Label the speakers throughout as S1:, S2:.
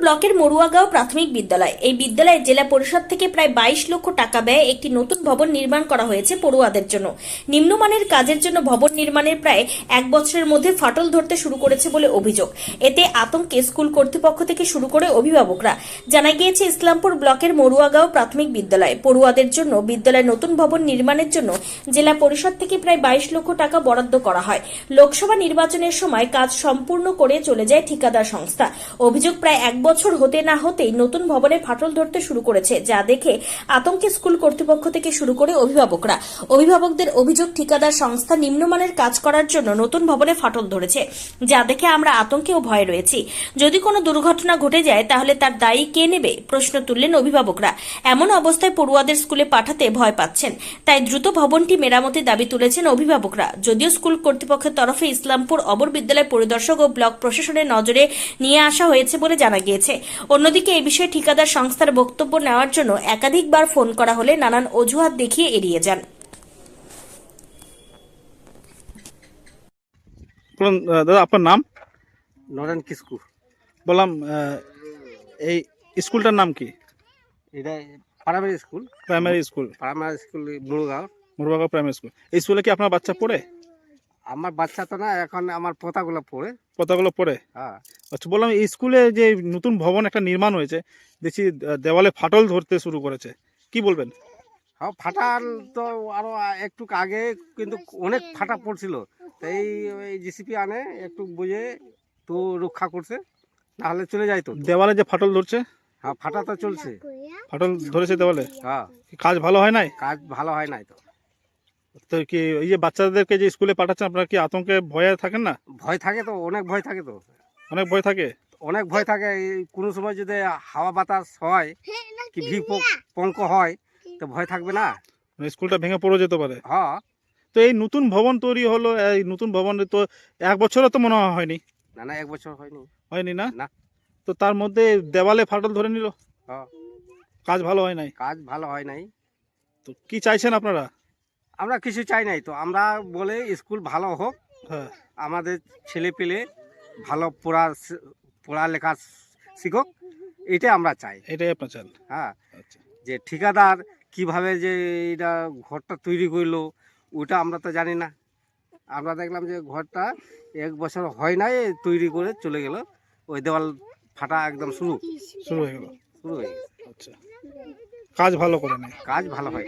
S1: ব্লকের মরুয়াগাঁও প্রাথমিক বিদ্যালয়। এই বিদ্যালয়ে জেলা পরিষদ থেকে প্রায় 22 লক্ষ টাকা ব্যয়ে একটি নতুন ভবন নির্মাণ করা হয়েছে পড়ুয়াদের জন্য। নিম্নমানের কাজের জন্য ভবন নির্মাণের প্রায় এক বছরের মধ্যে ফাটল ধরতে শুরু করেছে বলে অভিযোগ। এতে আতঙ্কে স্কুল কর্তৃপক্ষ থেকে শুরু করে অভিভাবকরা। জানা গিয়েছে, ইসলামপুর ব্লকের মরুয়াগাঁও প্রাথমিক বিদ্যালয় পড়ুয়াদের জন্য বিদ্যালয়ের নতুন ভবন নির্মাণের জন্য জেলা পরিষদ থেকে প্রায় 22 লক্ষ টাকা বরাদ্দ করা হয়। লোকসভা নির্বাচনের সময় কাজ সম্পূর্ণ করে চলে যায় ঠিকাদার সংস্থা। অভিযোগ, প্রায় এক বছর হতে না হতেই নতুন ভবনে ফাটল ধরতে শুরু করেছে, যা দেখে আতঙ্কে স্কুল কর্তৃপক্ষ থেকে শুরু করে অভিভাবকরা। অভিভাবকদের অভিযোগ, ঠিকাদার সংস্থা নিম্নমানের কাজ করার জন্য নতুন ভবনে ফাটল ধরেছে, যা দেখে আমরা আতঙ্কে ও ভয়ে রয়েছি। যদি কোনো দুর্ঘটনা ঘটে যায় তাহলে তার দায়ী কে নেবে, প্রশ্ন তুললেন অভিভাবকরা। এমন অবস্থায় পড়ুয়াদের স্কুলে পাঠাতে ভয় পাচ্ছেন, তাই দ্রুত ভবনটি মেরামতির দাবি তুলেছেন অভিভাবকরা। যদিও স্কুল কর্তৃপক্ষের তরফে ইসলামপুর অবর বিদ্যালয় পরিদর্শক ও ব্লক প্রশাসনের নজরে নিয়ে আসা হয়েছে বলে জানা গিয়েছে। অন্যদিকে এই বিষয়ে ঠিকাদার সংস্থার বক্তব্য নেওয়ার জন্য একাধিকবার ফোন করা হলে নানান অজুহাত দেখিয়ে এড়িয়ে যান।
S2: দাদা, আপনার নাম?
S3: নরেন কিসকু।
S2: বললাম, এই স্কুলটার নাম কি?
S3: এটা primary school.
S2: Primary school
S3: Murgaon.
S2: Murugaon primary school. এই স্কুলে কি আপনার বাচ্চা পড়ে?
S3: আমার বাচ্চা তো না, এখন আমার পোতাগুলো পড়ে।
S2: পতাগুলো পড়ে?
S3: হ্যাঁ।
S2: আচ্ছা, বললাম এই স্কুলে যে নতুন ভবন একটা নির্মাণ হয়েছে, দেখছি দেওয়ালে ফাটল ধরতে শুরু করেছে, কি বলবেন?
S3: হ্যাঁ, ফাটাল তো আরো একটু আগে কিন্তু অনেক ফাটা পড়ছিল, তাই ওই জিসিপি আনে একটু বুঝে তো রক্ষা করছে, নাহলে চলে যাইতো।
S2: দেওয়ালে যে ফাটল ধরছে?
S3: হ্যাঁ, ফাটা তো চলছে।
S2: ফাটল ধরেছে দেওয়ালে?
S3: হ্যাঁ।
S2: কাজ ভালো হয় নাই?
S3: কাজ ভালো হয় নাই তো।
S2: তো কি এই যে বাচ্চাদেরকে যে স্কুলে পাঠাচ্ছেন, আপনারা কি আতঙ্কে ভয়ে থাকেন না?
S3: ভয় থাকে তো, অনেক ভয় থাকে তো।
S2: অনেক ভয় থাকে?
S3: অনেক ভয় থাকে। এই কোনো সময় যদি হাওয়া বাতাস হয় কি পঙ্ক হয় তো ভয় থাকবে না?
S2: মানে স্কুলটা ভেঙে পড়ে যেতে পারে।
S3: হ্যাঁ।
S2: তো এই নতুন ভবন তৈরি হলো, এই নতুন ভবন তো এক বছরও তো মনে হয়নি।
S3: না, এক বছর হয়নি।
S2: হয়নি না?
S3: না।
S2: তো তার মধ্যে দেওয়ালে ফাটল ধরে নিল,
S3: হ্যাঁ।
S2: কাজ ভালো হয় নাই।
S3: কাজ ভালো হয় নাই।
S2: তো কি চাইছেন আপনারা?
S3: আমরা কিছু চাই নাই তো, আমরা বলে স্কুল ভালো হোক,
S2: হ্যাঁ।
S3: আমাদের ছেলে পেলে ভালো পড়ালেখা শিখুক, এটাই আমরা চাই।
S2: এটাই আপনার চান?
S3: হ্যাঁ।
S2: আচ্ছা।
S3: যে ঠিকাদার কিভাবে যে এটা ঘরটা তৈরি করলো ওটা আমরা তো জানি না। আমরা দেখলাম যে ঘরটা এক বছর হয় নাই, তৈরি করে চলে গেল, ওই দেওয়াল ফাটা একদম শুরু
S2: হয়ে গেল।
S3: শুরু হয়ে গেছে।
S2: আচ্ছা, কাজ ভালো করে নেই।
S3: কাজ ভালো হয়।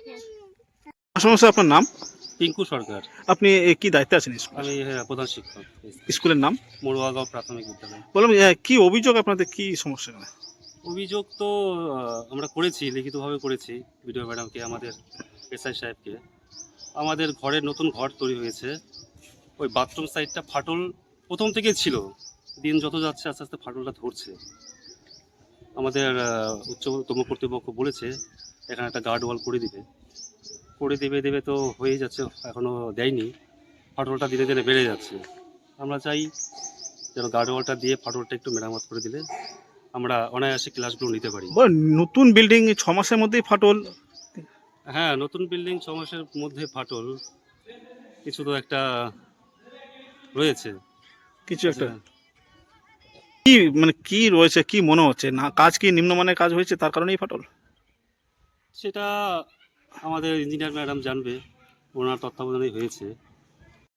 S2: সমস্যা। আপনার নাম?
S4: পিঙ্কু সরকার।
S2: আপনি কি দায়িত্বে আছেন স্কুলে?
S4: আমি প্রধান শিক্ষক।
S2: স্কুলের নাম?
S4: মরুয়াগাঁও প্রাথমিক বিদ্যালয়।
S2: বললাম, কি অভিযোগ আপনাদের, কি সমস্যা?
S4: অভিযোগ তো আমরা করেছি, লিখিতভাবে করেছি বিডিও ম্যাডামকে, আমাদের এসআই সাহেবকে। আমাদের ঘরের নতুন ঘর তৈরি হয়েছে, ওই বাথরুম সাইডটা ফাটল প্রথম থেকেই ছিল, দিন যত যাচ্ছে আস্তে আস্তে ফাটলটা ধরছে। আমাদের উচ্চতম কর্তৃপক্ষ বলেছে এখানে একটা গার্ড ওয়াল করে দেবে তো হয়ে যাচ্ছে, এখনও দেয়নি। ফাটলটা ধীরে ধীরে বেড়ে যাচ্ছে। আমরা চাই যেন গার্ড ওয়ালটা দিয়ে ফাটলটা একটু মেরামত করে দিলে আমরা অনায়াসে ক্লাসগুলো নিতে পারি।
S2: নতুন বিল্ডিং 6 মাসের মধ্যেই ফাটল?
S4: হ্যাঁ, নতুন বিল্ডিং 6 মাসের মধ্যে ফাটল, কিছু তো একটা রয়েছে।
S2: কিছু একটা কি, মানে কি রয়েছে, কি মনে হচ্ছে? না কাজ কি নিম্নমানের কাজ হয়েছে তার কারণেই ফাটল?
S4: সেটা আমাদের ইঞ্জিনিয়ার ম্যাডাম জানবে, ওনার তত্ত্বাবধানেই হয়েছে।